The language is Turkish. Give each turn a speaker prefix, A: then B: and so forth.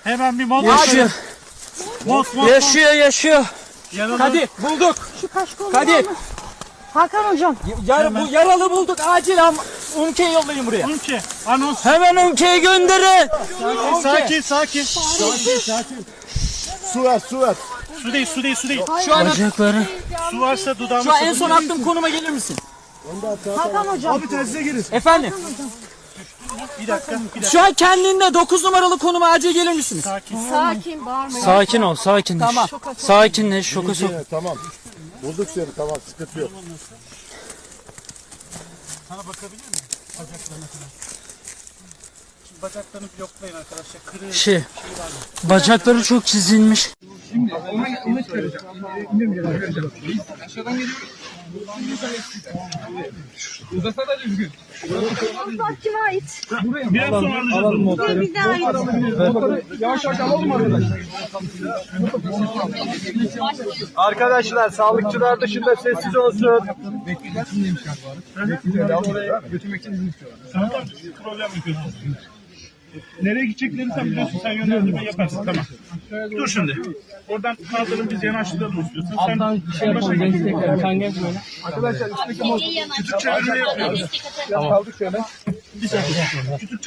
A: Hemen bir mod.
B: Yaşıyor.
A: Mod.
B: Yaşıyor.
C: Kadir bulduk.
D: Şu kaşkol
C: Kadir.
D: var mı? Hakan hocam.
C: Bu yaralı bulduk. Acil Umke'yi yollayın buraya.
A: Ülke. Anons.
B: Hemen ülkeyi gönderin.
A: Sakin.
E: Su ver.
A: Su değil.
C: Şu an
B: Bacakları.
A: Su varsa dudağını
C: şu an en son attığım konuma gelir misin?
D: Hakan hocam.
E: Abi tersize girin.
C: Efendim.
A: Bir dakika.
C: Şu an kendinde 9 numaralı konuma acil gelir misiniz?
D: Sakin bağırmayın.
B: Sakin ol, sakinleş.
C: Tamam.
B: Sakinleş, şoka sok.
E: Tamam. Bulduk seni, tamam, sıkıntı yok.
A: Sana bakabilir miyim? Bacaklarına kadar. Şimdi bacaklarını bloklayın arkadaşlar. Kırığı.
B: Bacakları çok çizilmiş.
F: Onu çıkaracağım. Aşağıdan geliyor. Uzasa da düzgün.
D: Bak kime ait?
A: Biraz sonra alacağız.
D: Bize ait.
F: Yavaş alalım arkadaşlar.
E: Arkadaşlar, sağlıkçılar dışında sessiz olsun.
F: Bekleyeceğiz. Şimdiymiş galiba. Oraya götürmek için izin istiyorlar.
A: Tamam. Problem yapıyorsun. Nereye gideceklerini sen biliyorsun. Sen yönlendirme yaparsın. Tamam. Dur şimdi. Oradan kaldırın biz yanaştıralım istiyorsan. Sen
C: Şey yapalım. Destekler. Sen gel böyle.
F: Arkadaşlar üstteki mod.
A: küçük çevirme yapıyoruz.
F: Kaldık şöyle.
A: Bir saniye. Küçük